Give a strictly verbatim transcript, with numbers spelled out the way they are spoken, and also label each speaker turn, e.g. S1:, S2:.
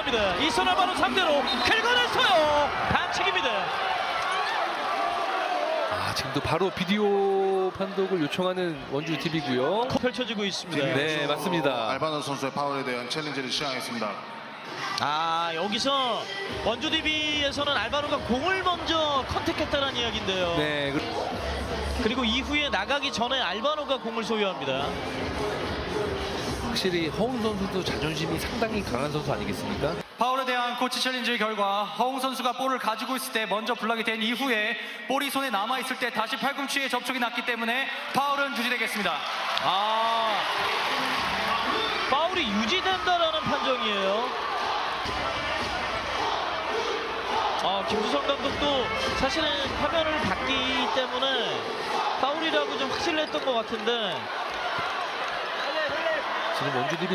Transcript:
S1: 들어갑니다. 이선 알바노 상대로 긁어냈어요. 반칙입니다.
S2: 아, 지금도 바로 비디오 판독을 요청하는 원주티비고요.
S1: 펼쳐지고 있습니다.
S2: 네, 맞습니다.
S3: 알바노 선수의 파울에 대한 챌린지를 시행하겠습니다.
S1: 아, 여기서 원주디비에서는 알바노가 공을 먼저 컨택했다는 이야기인데요.
S2: 네,
S1: 그리고 이후에 나가기 전에 알바노가 공을 소유합니다.
S2: 확실히 허웅 선수도 자존심이 상당히 강한 선수 아니겠습니까?
S4: 파울에 대한 코치 챌린지 결과 허웅 선수가 볼을 가지고 있을 때 먼저 블락이 된 이후에 볼이 손에 남아있을 때 다시 팔꿈치에 접촉이 났기 때문에 파울은 유지되겠습니다.
S1: 아, 파울이 유지된다라는 판정이에요. 아, 김수성 감독도 사실은 화면을 봤기 때문에 파울이라고 좀 확신을 했던 것 같은데
S2: 지금 원주디비